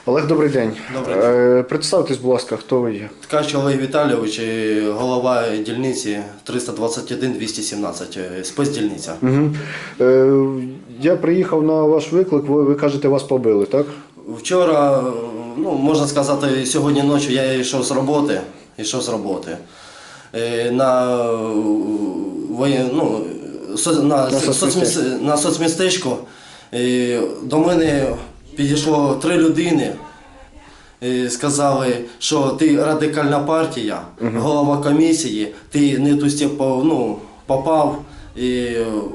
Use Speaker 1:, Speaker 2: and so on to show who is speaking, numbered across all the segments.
Speaker 1: Олег, добрий день.
Speaker 2: Добрий день.
Speaker 1: Представтесь, будь ласка, хто ви є?
Speaker 2: Ткач Олег Віталійович, голова дільниці 321-217, спецдільниця.
Speaker 1: Угу. Я приїхав на ваш виклик, ви кажете, вас побили, так?
Speaker 2: Вчора, можна сказати, сьогодні ночі я йшов з роботи. На соцмістечко до мене підійшло 3 людини. Сказали, що ти радикальна партія, голова комісії, ти не ту степ попав. І,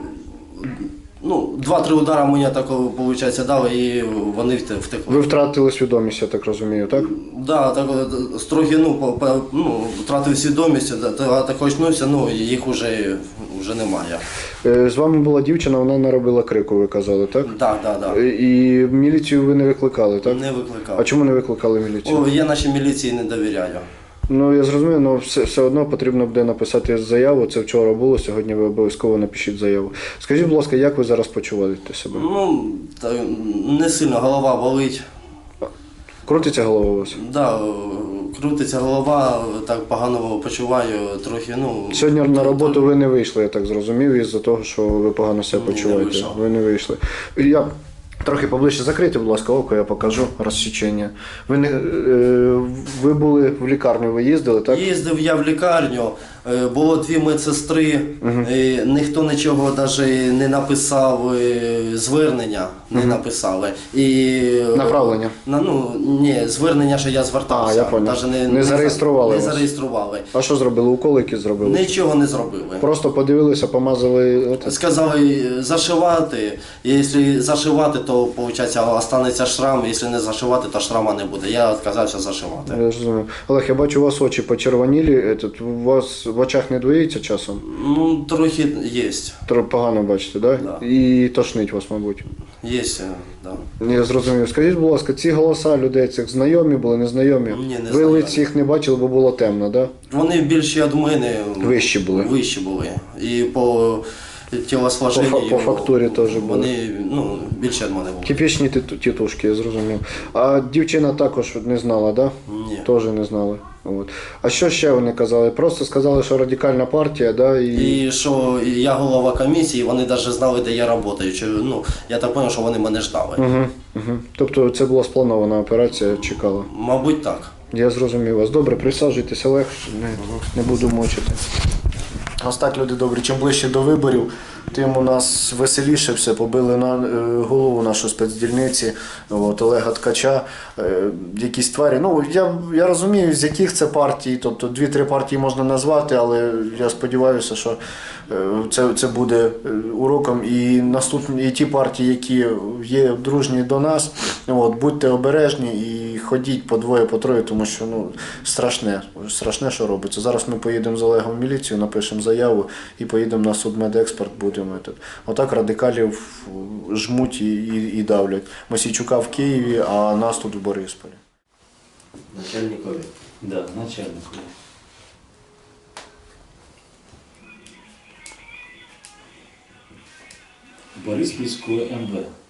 Speaker 2: 2-3 удари мені такого, виходить, дали і вони втекли.
Speaker 1: Ви втратили свідомість, я так розумію, так?
Speaker 2: Так, трохи втратив свідомість, так очнувся, їх вже немає.
Speaker 1: З вами була дівчина, вона наробила крику, ви казали, так?
Speaker 2: Так.
Speaker 1: І міліцію ви не викликали, так?
Speaker 2: Не викликав.
Speaker 1: А чому не викликали міліцію?
Speaker 2: Я нашій міліції не довіряю.
Speaker 1: Я зрозумів, але все одно потрібно буде написати заяву. Це вчора було, сьогодні ви обов'язково напишіть заяву. Скажіть, будь ласка, як ви зараз почуваєте себе?
Speaker 2: Не сильно, голова болить.
Speaker 1: Крутиться голова у вас?
Speaker 2: Так, крутиться голова, так погано почуваю, трохи,
Speaker 1: Сьогодні на роботу ви не вийшли, я так зрозумів, із-за того, що ви погано себе почуваєте. Ви не вийшли. Я трохи поближче закрийте, будь ласка, око, я покажу розсічення. Ви були в лікарню, ви їздили, так?
Speaker 2: Їздив я в лікарню, було 2 медсестри, ніхто нічого навіть не написав, звернення не написали.
Speaker 1: Направлення?
Speaker 2: Ні, звернення, що я звертався.
Speaker 1: Я понял. Не зареєстрували вас?
Speaker 2: Не зареєстрували.
Speaker 1: А що зробили? Уколи які зробили?
Speaker 2: Нічого не зробили.
Speaker 1: Просто подивилися, помазали?
Speaker 2: Сказали зашивати, якщо зашивати, то, виходить, залишиться шрам, якщо не зашивати, то шрама не буде. Я відказався зашивати.
Speaker 1: Я розумію. Олег, я бачу, у вас очі почервонілі, у вас в очах не двоїться часом?
Speaker 2: Трохи є.
Speaker 1: Погано бачите, так?
Speaker 2: Да.
Speaker 1: І тошнить вас, мабуть?
Speaker 2: Є, так.
Speaker 1: Я зрозумів. Скажіть, будь ласка, ці голоса людей цих знайомі були, незнайомі?
Speaker 2: Ні, не
Speaker 1: Ви
Speaker 2: знайомі.
Speaker 1: лиць їх не бачили, бо було темно, так?
Speaker 2: Вони більші від мене.
Speaker 1: Вищі були?
Speaker 2: Вищі були. І по тілосложенню.
Speaker 1: По фактурі теж були?
Speaker 2: Вони більше від мене були.
Speaker 1: Типічні тітушки, я зрозумів. А дівчина також не знала, так?
Speaker 2: Ні.
Speaker 1: Теж не знали. От. А що ще вони казали? Просто сказали, що радикальна партія, да?
Speaker 2: І що я голова комісії, вони навіть знали, де я працюю. Я так зрозумів, що вони мене ждали.
Speaker 1: Тобто це була спланована операція, чекала?
Speaker 2: Мабуть, так.
Speaker 1: Я зрозумів вас. Добре, присаджуйтесь, Олег, не буду мучити. Ось так, люди добрі, чим ближче до виборів, тим у нас веселіше все. Побили на голову нашу спецдільниці, Олега Ткача, якісь тварі. Я розумію, з яких це партій, тобто 2-3 партії можна назвати, але я сподіваюся, що це буде уроком і ті партії, які є дружні до нас, будьте обережні і ходіть по 2, по 3, тому що страшне, що робиться. Зараз ми поїдемо з Олегом в міліцію, напишемо заяву і поїдемо на судмедекспорт, будемо. Отак радикалів жмуть і давлять. Мосійчука в Києві, а нас тут в Борисполі.
Speaker 2: Начальникові?
Speaker 3: Да, начальникові. Бориспільської МВ.